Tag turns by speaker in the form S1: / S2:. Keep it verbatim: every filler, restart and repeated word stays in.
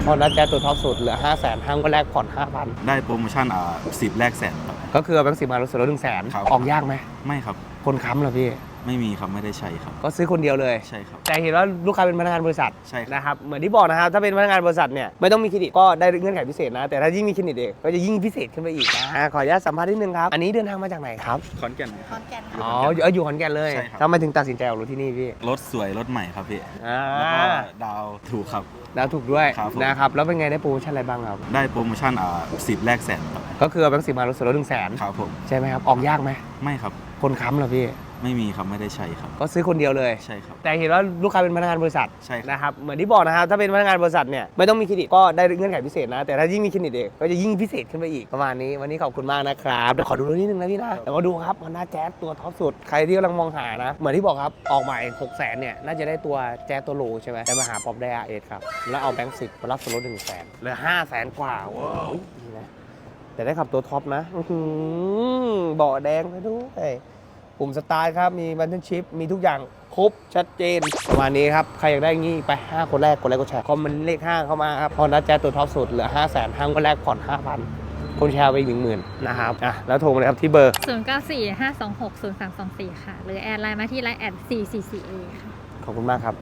S1: พอนัดแจ๊สตัวท็อปสุดเหลือห้าแสนห้างก็แลกผ่อนห้าพัน
S2: ได้โปรโมชั่นอ่าสิบแลกแสนครับ
S1: ก็คือแบงค์สิบมาลดส่วนลดหนึ่งแสนออกยากไหม
S2: ไม่ครับ
S1: คนค้ำเหรอพี่
S2: ไม่มีครับไม่ได้ใช้ครับ
S1: ก็ซื้อคนเดียวเลย
S2: ใช่ครับ
S1: แต่เห็นว่าลูกค้าเป็นพนักงานบริษัท
S2: ใช่
S1: นะครับเหมือนที่บอกนะครับถ้าเป็นพนักงานบริษัทเนี่ยไม่ต้องมีเครดิตก็ได้เงื่อนไขพิเศษนะแต่ถ้ายิ่งมีเครดิตเองก็จะยิ่งพิเศษขึ้นไปอีกนะขออนุญาตสัมภาษณ์นิดนึงครับอันนี้เดินทางมาจากไหนครับ
S2: ขอนแก่น
S3: ขอนแก่น
S1: อ๋ออยู่ขอนแก่นเลยทำไมถึงตัดสินใจออกรถที่นี่พี่
S2: รถสวยรถใหม่ครับพี่
S1: อ่า
S2: แล้วก็ดาวถูกครับ
S1: ดาวถูกด้วย
S2: ครับ
S1: นะครับแล้วเป็นไงได้โปรโมชั่นอะไรบ้างครับ
S2: ได้โปรโมชั่นอ่าสิบแลกแสนครับ
S1: ก็คือแบงค์สิบมาลดส่วนลดหนึ่งแสน
S2: ครับผม
S1: ใช่ไหมครับออกยากไหม
S2: ไม่ครับ
S1: คนค้ำเหรอพี่
S2: ไม่มีครับไม่ได้ใช้ครับ
S1: ก็ซื้อคนเดียวเลย
S2: ใช่ครับ
S1: แต่เห็นว่าลูกค้าเป็นพนักงานบริษัท
S2: ใช่ครับ
S1: นะครับเหมือนที่บอกนะครับถ้าเป็นพนักงานบริษัทเนี่ยไม่ต้องมีเครดิตก็ได้เงื่อนไขพิเศษนะแต่ถ้ายิ่งมีเครดิตเองก็จะยิ่งพิเศษขึ้นไปอีกประมาณนี้วันนี้ขอบคุณมากนะครับเดี๋ยวขอดูรถนิดนึงนะพี่นะเดี๋ยวมาดูครับ Honda Jazz ตัวท็อปสุดใครที่กำลังมองหานะเหมือนที่บอกครับออกใหม่หกแสนเนี่ยน่าจะได้ตัวแจ๊สตัวโลใช่ไหมแต่มาหาป๊อปไดอาร์เอสครับแล้วเอาแบงค์สิบมารับส่วนลดหนึ่งแสนเหลือห้าแสนกว่าว้าวนี่นะแต่ได้ขับตัวท็อปนะอื้อหือเบาะแดงไปด้วยปุ่มสตาร์ทครับมีบัตเทิลชิพมีทุกอย่างครบชัดเจนประมาณนี้ครับใครอยากได้งี้ไปห้าคนแรกกดไลค์กดแชร์คอมเมนต์เลขห้าเข้ามาครับพอนัดแจ๊สตัวท็อปสุดเหลือห้าแสนห้างก็แลกผ่อนห้าพันคนแชร์ไปอีกหนึ่งหมื่นนะครับอ่ะแล้วโทรมาเลยครับที่เบอร์
S3: ศูนย์ เก้า สี่ ห้า สอง หก ศูนย์ สาม สอง สี่ค่ะหรือแอดไลน์มาที่ไลน์แอดสี่ สี่ สี่ เอ ค่ะ
S1: ขอบคุณมากครับ